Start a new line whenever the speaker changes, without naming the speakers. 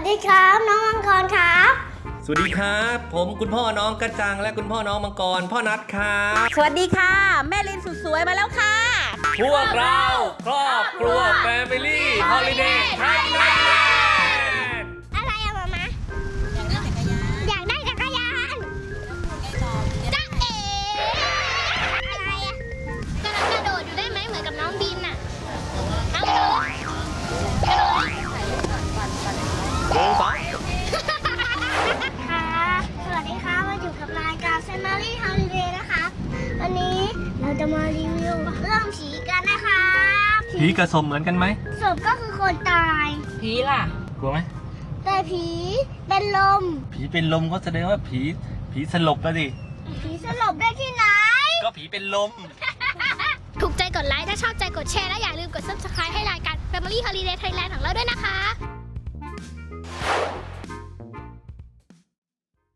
ดีครับน้องมังกรครับ
สวัสดีครับผมคุณพ่อน้องกระจังและคุณพ่อน้องมังกรพ่อนัทครับ
สวัสดีค่ะ แม่ลินสุดสวยมาแล้วค่ะ
พวกเราครอบครัวแฟมิลี่ฮอลิเดย์ไทยแลนด์
อะไรอะมามาอยากได้จักรยานจ๊ะเอ๋อะไรอะกำลังกระโดดอยู่ได้ไหมเหมือนกับน้องบินอะเอากระโดดกระโดด ค่ะสวัสดีค่ะมาอยู่กับรายการ Family Holiday นะคะวันนี้เราจะมารีวิวเรื่องผีกันนะคะ
ผีกระสมเหมือนกันไหม
ศพก็คือคนตาย
ผีล่ะ
กลัวไหม
แต่ผีเป็นลม
ผีเป็นลมก็แสดงว่าผีสลบแล้วดิ
ผีสลบได้ที่ไหน
ก็ผีเป็นลม
ถูกใจกดไลค์ถ้าชอบใจกดแชร์และอย่าลืมกด Subscribe ให้รายการ Family Holiday Thailand ของเราด้วยนะคะ